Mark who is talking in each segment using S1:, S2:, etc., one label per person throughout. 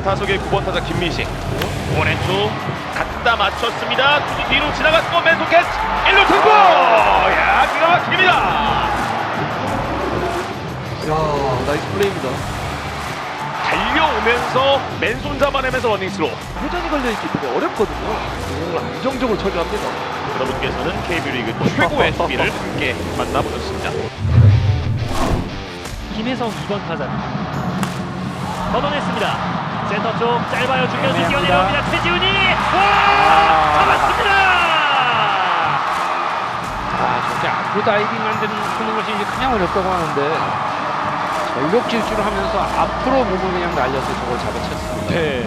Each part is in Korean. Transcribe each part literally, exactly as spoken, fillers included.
S1: 타석의 구 번 타자 김민식. 오른쪽 갖다 맞췄습니다. 투수 뒤로 지나갔고 맨손 캐치 일 루 승부. 야, 기가 막힙니다.
S2: 야, 나이스 플레이입니다.
S1: 달려오면서 맨손 잡아내면서 러닝스로.
S2: 회전이 걸려있기 때문에 어렵거든요. 이걸 안정적으로 처리합니다.
S1: 여러분께서는 케이비오 리그 최고의 수비를 함께 만나보셨습니다.
S3: 김혜성 이 번 타자 걷어냈습니다. 센터 쪽 짧아요. 중견수 뛰어내려옵니다. 최지훈이 와! 잡았습니다.
S4: 아, 저렇게 앞으로 다이빙 만드는 하는 것이 이제 그냥 어렵다고 하는데 전력 질주를 하면서 앞으로 몸을 그냥 날려서 저걸 잡아챘습니다.
S3: 네.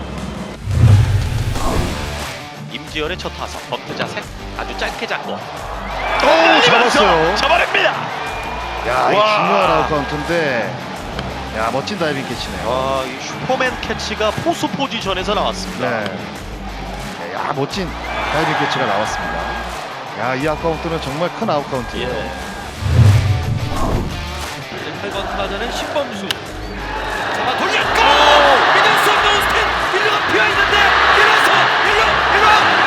S1: 임지열의 첫 타석 버트 자세 아주 짧게 잡고
S5: 오, 잡았어요.
S1: 잡아냅니다.
S5: 야, 이
S1: 와.
S5: 중요한 아웃카운트인데, 야, 멋진 다이빙 캐치네요.
S1: 와, 이 슈퍼맨 캐치가 포수 포지션에서 나왔습니다.
S5: 네. 야, 멋진 다이빙 캐치가 나왔습니다. 야, 이 아웃카운트는 정말 큰 아웃카운트예요.
S1: 예. 팔 번 타자는 신범수. 잡아 돌렸고 믿을 수 없는 스탠 일 루가 비어 있는데 밀어서 일 루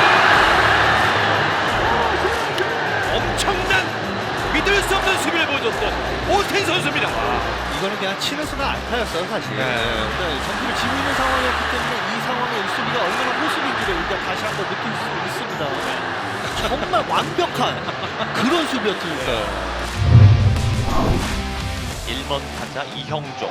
S1: 일 루 엄청난 믿을 수 없는 수비를 보여줬던 오스틴 선수입니다.
S6: 이거는 그냥 치는 순간 안타였어요 사실. 네. 네, 점수를 지고 있는 상황이었기 때문에 이 상황의 일 수비가 얼마나 호수비인지를 우리가 다시 한번 느낄 수 있습니다. 정말 완벽한 그런 수비였으니까요.
S1: 일 번 타자 이형종.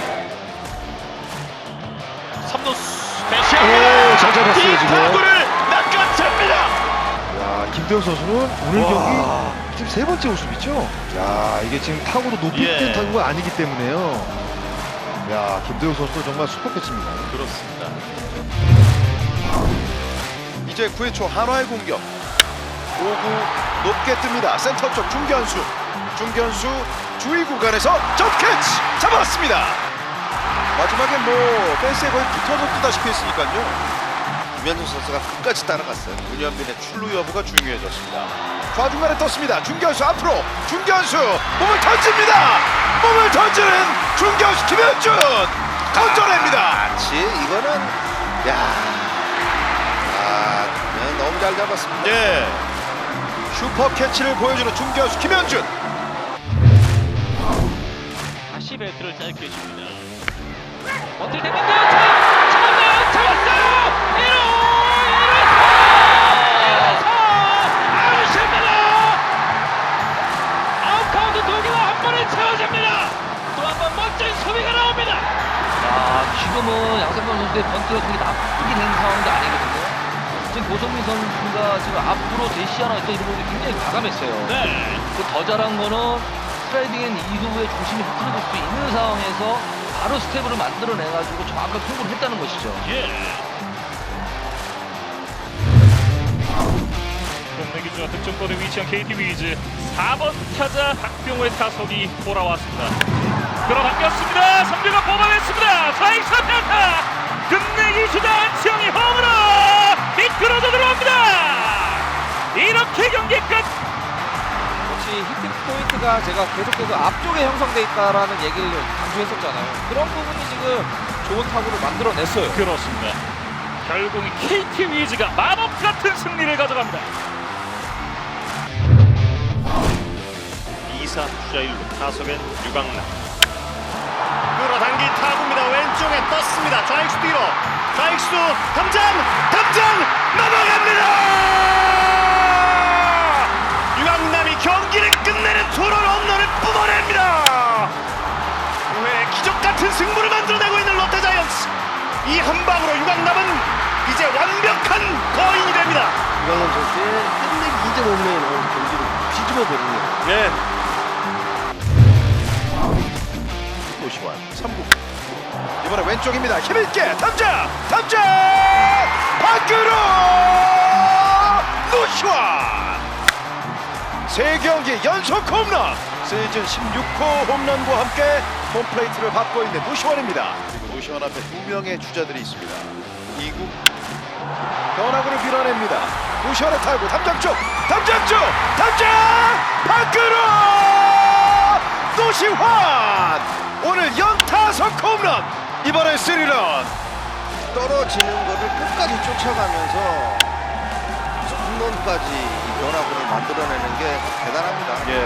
S1: 삼 루수
S5: 오, 잘 잡았어요, 지금.
S1: 타구를 낚아챕니다.
S5: 야, 김대현 선수는 오늘
S1: 와.
S5: 경기 지금 세 번째 우승이죠? 야, 이게 지금 타구도 높이
S1: 예.
S5: 뜬 타구가 아니기 때문에요. 야, 김대현 선수도 정말 슈퍼 캐치입니다.
S1: 그렇습니다.
S7: 이제 구 회 초 한화의 공격. 오 구 높게 뜹니다. 센터 쪽 중견수. 중견수 주위 구간에서 점캐치 잡았습니다. 마지막에 뭐 펜스에 거의 붙어서 뜨다시피 했으니까요. 유현준 선수가 끝까지 따라갔어요. 문현빈의 출루 여부가 중요해졌습니다. 좌중간에 떴습니다. 중견수 앞으로 중견수 몸을 던집니다. 몸을 던지는 중견수 김현준 던져냅니다. 마치 이거는 야, 아, 그냥 너무 잘 잡았습니다. 예. 슈퍼 캐치를 보여주는 중견수 김현준.
S3: 다시 배트를 짧게 줍니다. 어떻게 됩니까? 잡았어요! 잡았어요! 일 루! 일 루! 아웃입니다! 아웃카운트 두 개와 한 번에 채워집니다. 또 한 번 멋진 수비가 나옵니다.
S8: 아, 지금은 양상범 선수의 번트가 그렇게 나쁘게 된 상황도 아니거든요. 지금 고성민 선수가 지금 앞으로 대시하나 있던 이런 부분이 굉장히 과감했어요.
S3: 네.
S8: 그 더 잘한 거는 스트라이딩 앤 이후에 중심이 흐트러질 수 있는 상황에서 바로 스텝으로 만들어내가지고 정확하게 통보를 했다는 것이죠.
S3: 예. 국내 기준과 득점권에 위치한 케이티 위즈 사 번 타자 박병호의 타석이 돌아왔습니다. 끌어당겼습니다. 삼 루가 뽑아냈습니다. 좌익 삼루타 끝내기 주자 안치영이 홈으로 미끄러져 들어옵니다. 이렇게 경기 끝.
S2: 역시 히팅 포인트가 제가 계속해서 앞쪽에 형성돼 있다라는 얘기를 강조했었잖아요. 그런 부분이 지금 좋은 타구를 만들어냈어요.
S3: 그렇습니다. 결국 케이티 위즈가 마법 같은 승리를 가져갑니다.
S1: 이 사 주자 일 루 타석엔 유강남. 끌어당긴 타구입니다. 왼쪽에 떴습니다. 좌익수 뒤로. 좌익수 담장! 담장! 넘어갑니다! 유강남이 경기를 끝내는 투런 홈런을 뿜어냅니다. 구 회 기적같은 승부를 만들어내고 있는 롯데자이언츠. 이 한 방으로 유강남은 이제 완벽한 거인이 됩니다.
S6: 이광현 선수의 끝내기 이 점 홈런이 나오는 경기를 뒤집어 버리네요.
S1: 네. 노시환 삼 구.
S7: 이번에 왼쪽입니다. 힘있게 담장! 담장! 밖으로! 노시환! 세 경기 연속 홈런! 시즌 십육 호 홈런과 함께 홈플레이트를 밟고 있는 노시환입니다. 그리고 노시환 앞에 두 명의 주자들이 있습니다. 이 구 변화구를 밀어냅니다. 노시환의 타구 담장 쪽! 담장 쪽! 담장! 밖으로! 노시환! 오늘 연타석 홈런! 이번엔 쓰리런! 떨어지는 거를 끝까지 쫓아가면서 홈런까지 이 변화구를 만들어내는 게 대단합니다. 예.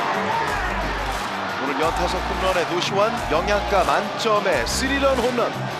S7: 와. 오늘 연타석 홈런의 노시환 영양가 만점의 스리런 홈런.